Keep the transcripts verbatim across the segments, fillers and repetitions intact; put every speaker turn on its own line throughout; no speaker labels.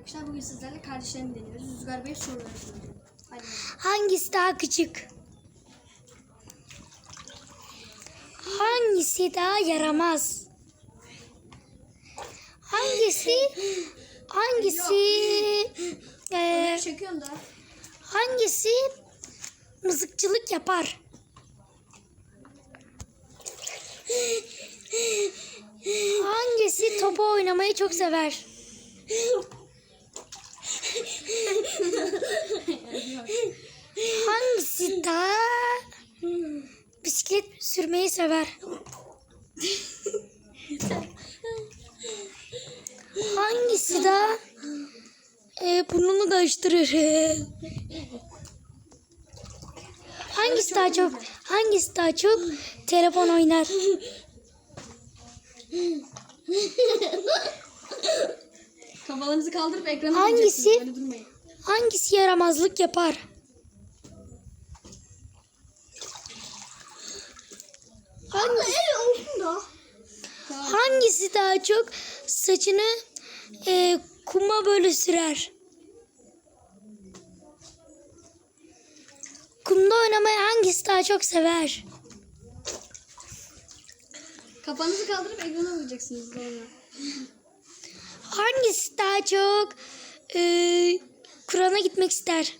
arkadaşlar. Bugün sizlerle kardeşlerimi deniyoruz. Rüzgar Bey soruları soruyor. Hadi.
Hangisi daha küçük? Hangisi daha yaramaz? Hangisi hangisi e,
Çekiyorum da.
hangisi mızıkçılık yapar? Hangisi topu oynamayı çok sever? Hangisi daha bisiklet sürmeyi sever? Hangisi daha e, burnunu karıştırır? Hangisi daha çok hangisi daha çok telefon oynar?
Kafalarınızı kaldırıp ekrana
Hangisi?
bakacaksınız. Öyle durmayın.
Hangisi yaramazlık yapar? Hangisi, hangisi daha çok saçını e, kuma böyle sürer? Kumda oynamayı hangisi daha çok sever?
Kafanızı kaldırıp ekrana bakacaksınız sonra.
Hangisi daha çok e, Kur'an'a gitmek ister?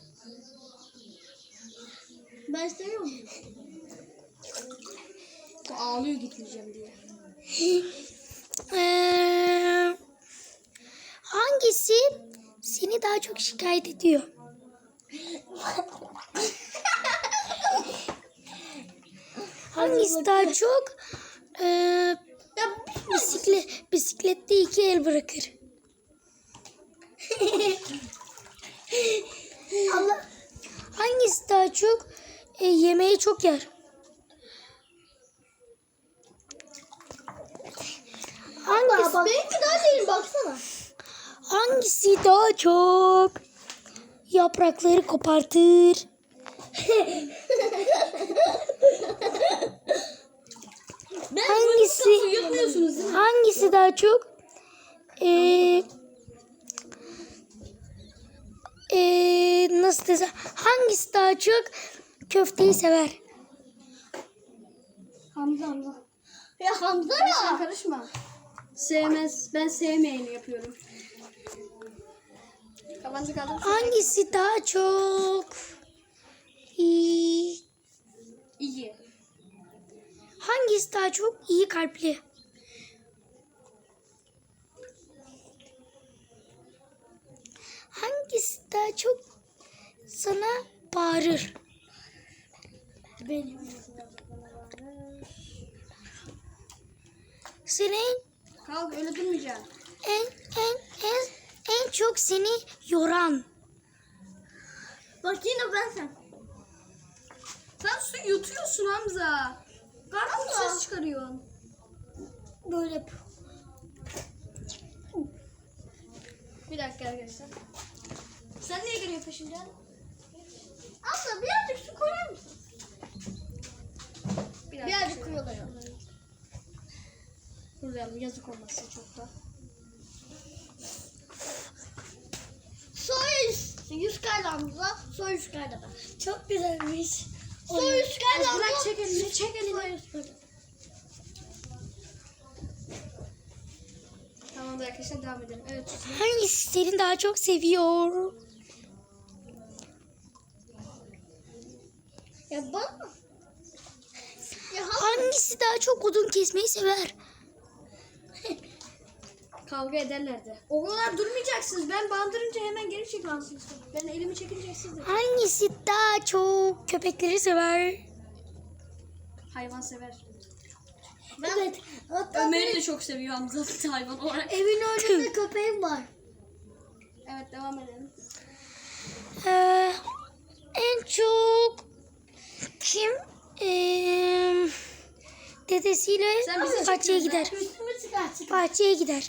Ben istemiyorum. O ağlıyor gitmeyeceğim diye.
Ee, hangisi seni daha çok şikayet ediyor? Hangisi daha çok e, bisiklet, bisiklette iki el bırakır? Allah. Hangisi daha çok e, yemeği çok yer? Hangisi?
Benimki daha değil baksana.
Hangisi daha çok yaprakları kopartır? Hangisi?
Yutmuyorsunuz değil mi?
Hangisi daha çok eee eee nasıl desem? Hangisi daha çok köfteyi sever?
Hamza Hamza.
Ya Hamza
Sen
ya.
karışma. Sevmez. Ben sevmeyeni yapıyorum. Kafanızı kaldırıp
Hangisi daha çok iyi?
iyi.
Hangisi daha çok iyi kalpli? Hangisi daha çok sana bağırır?
Benim.
Senin
Kalk öyle durmayacaksın.
en en en en çok seni yoran.
Bak yine ben sen.
Sen su yutuyorsun Hamza. Karnın ses çıkarıyorsun.
Böyle yap.
Bir dakika arkadaşlar. Sen niye geliyorsun peşimden?
Abla birazcık su koyar mısın?
Bir dakika.
Birazcık koyuyorlar.
Kurlayalım yazık olmasın çok da.
Soy yüz kaydı Hamza. Soy yüz kaydı ben.
Çok güzelmiş.
Soy yüz kaydı
Az bırak,
Hamza.
çek elini, çek elini.
Soy yüz kaydı.
Tamam da arkadaşlar devam edelim. Evet. Susun.
Hangisi seni daha çok seviyor?
Ya bana. Ya Hamza.
Hangisi daha çok odun kesmeyi sever?
Kavga ederlerdi. O kadar durmayacaksınız. Ben bandırınca hemen geri çekilmezsiniz. Ben elimi çekince siz de.
Hangisi daha çok köpekleri sever?
Hayvan sever.
Evet. Hatta
Ömer'i de çok seviyor Hamza hayvan olarak.
evin önünde köpeğim var.
Evet devam edelim.
Ee, en çok kim ee, dedesiyle
Sen bizi
bahçeye
çekiyorsun,
gider?
Üstümü çıkar çıkar.
Bahçeye gider.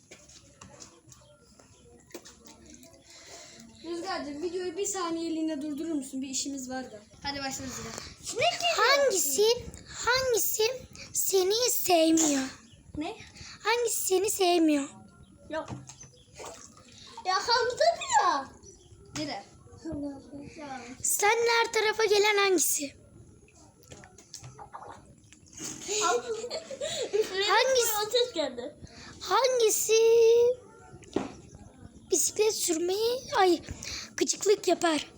Rüzgar'cığım videoyu bir saniyeliğine durdurur musun? Bir işimiz var da. Hadi başla Rüzgar.
Hangisi hangisi seni sevmiyor?
Ne?
Hangisi seni sevmiyor?
Yok. Ya Hamza
Dire.
Seninle her tarafa gelen hangisi? Hangisi?
Ateş geldi.
Hangisi bisiklet sürmeyi, ay, gıcıklık yapar?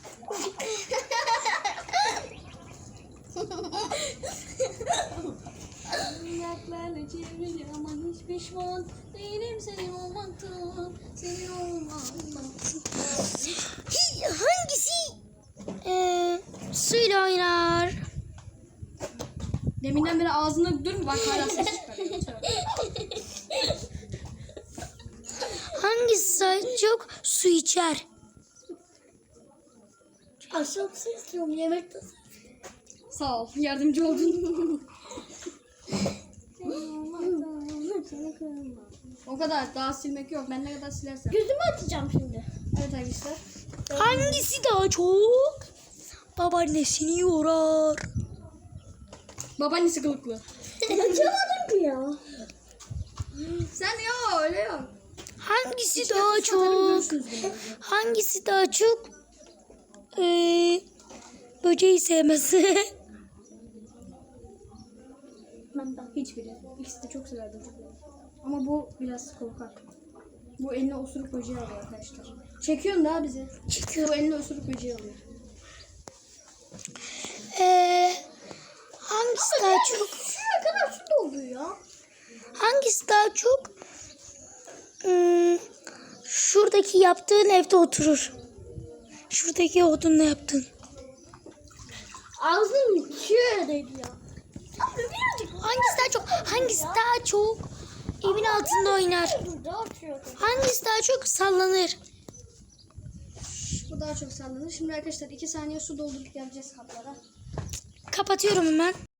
Ayaklarla çevrili ama hiç pişman değilim senin olmaktan. Senin olmaktan.
Hi, hangisi ee, suyla oynar?
Deminden beri ağzına dur bak hala ses çıkarıyor.
Hangisi daha çok su içer?
Akşam su istiyorum yemekte.
Sağ ol yardımcı oldun. O kadar daha silmek yok. Ben ne kadar silersem.
Gözümü açacağım şimdi.
Evet arkadaşlar.
Hangisi daha çok babaannesini yorar?
Babaannesi kılıklı.
Açamadım ki ya.
Sen yok öyle yok.
Hangisi daha çok hangisi daha çok ee, böceği sevmez?
Ben de hiçbiri. İkisi de çok severdim. Ama bu biraz korkak. Bu eline osuruk böceği alıyor arkadaşlar. Çekiyorsun daha bizi. Çekiyor. Bu eline osuruk böceği alıyor.
Ee, hangisi daha çok
Ne kadar su doldu ya?
hangisi daha çok hmm, şuradaki yaptığın evde oturur? Şuradaki odunla yaptın.
Ağzım şöyleydi ya. Abi birazcık
Hangisi daha çok hangisi daha çok evin altında oynar?
burada atıyordum.
Hangisi daha çok sallanır?
Bu daha çok sallanır. Şimdi arkadaşlar iki saniye su doldurup geleceğiz kaplara.
Kapatıyorum hemen.